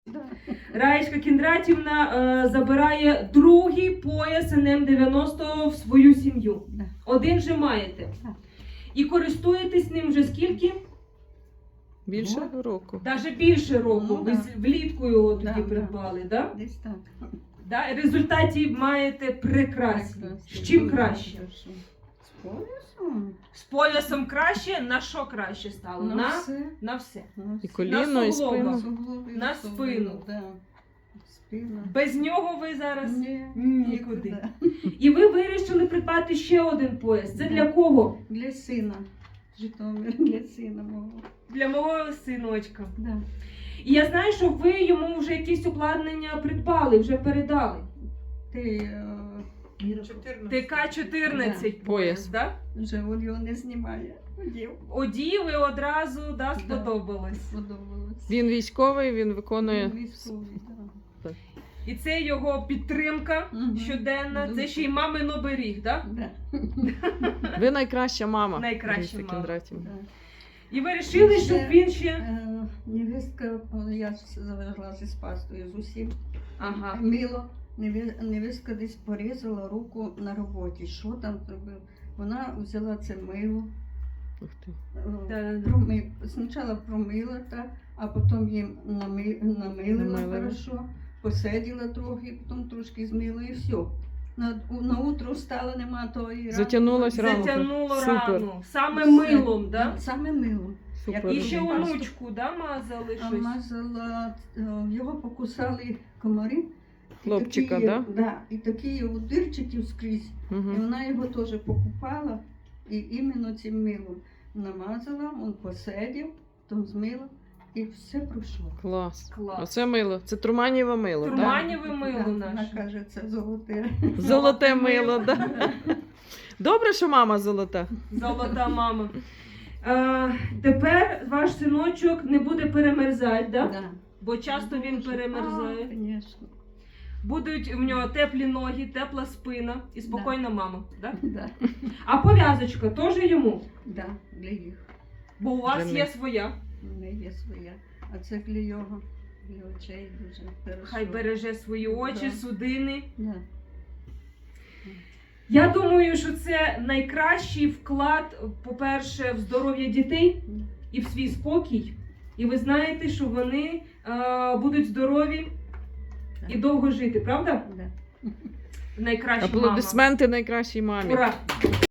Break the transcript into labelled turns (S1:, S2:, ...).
S1: Раєчка Кіндратівна забирає другий пояс НМ-90 в свою сім'ю. Один же маєте. І користуєтесь ним вже скільки?
S2: Більше року.
S1: Навіть більше року. Ви влітку його тоді придбали, так?
S3: Десь так.
S1: Да? Результаті маєте прекрасні. З чим краще?
S3: З поясом.
S1: З поясом краще, на що краще стало?
S3: На все.
S1: На все.
S2: І коліно, і спину.
S1: На спину.
S3: Да. Спина.
S1: Без нього ви зараз
S3: Ні,
S1: нікуди. І ви вирішили придбати ще один пояс. Це для кого?
S3: Для сина. Житомир, для сина мого.
S1: Для мого синочка.
S3: Да.
S1: І я знаю, що ви йому вже якісь обладнання придбали, вже передали. ТК-14 пояс, так?
S3: Вже він його не знімає.
S1: Одів і одразу сподобалось.
S3: Сподобалось.
S2: Він військовий, він виконує.
S3: Він військовий, так.
S1: І це його підтримка щоденна, це ще й мамин оберіг, так?
S3: Да.
S2: Ви найкраща мама.
S1: Найкраща
S2: Раїса
S1: мама.
S2: Кіндратівна.
S1: І ви вирішили, щоб він ще...
S3: Невістка, я завезла зі спастою з усім.
S1: Ага.
S3: Мило. Невістка десь порізала руку на роботі. Що там зробив? Вона взяла це мило.
S2: Ух ти.
S3: Спочатку промила, так, а потім їм намилила хорошо, посиділа трохи, потім трошки змила і все. На утро встала, нема тої рани.
S2: Затягнулась рана.
S1: Затягнуло
S2: Супер.
S1: рану. Саме милом, так?
S3: Саме милом.
S2: Супер.
S1: І ще онучку, да, мазали щось?
S3: Мазала, його покусали комари.
S2: Хлопчика,
S3: так?
S2: да?
S3: Да, і такі його дирчиків скрізь.
S2: Угу.
S3: І вона його теж покупала, і іменно цим милом намазала, він посидів, потім змила, і все пройшло.
S2: Клас.
S1: Клас.
S2: Оце мило. Це Турманєве мило, так?
S1: Турманєве мило
S3: Вона
S1: наше.
S3: каже, це золоте.
S2: Золоте мило, так. Добре, що мама золота.
S1: Золота мама. Тепер ваш синочок не буде перемерзати, да?
S3: Да.
S1: Бо часто він перемерзає.
S3: Звісно.
S1: Будуть в нього теплі ноги, тепла спина і спокійна мама. Да?
S3: Да.
S1: А пов'язочка теж йому?
S3: Да, для їх.
S1: Бо у вас
S2: Для
S1: є
S2: них.
S1: своя.
S3: У неї є своя. А це для його, для очей дуже хорошо.
S1: Хай береже свої очі,
S3: Да.
S1: судини.
S3: Да.
S1: Я думаю, що це найкращий вклад, по-перше, в здоров'я дітей і в свій спокій. І ви знаєте, що вони будуть здорові і довго жити, правда?
S3: Да.
S1: Найкраща мама.
S2: Аплодисменти найкращій мамі.
S1: Ура!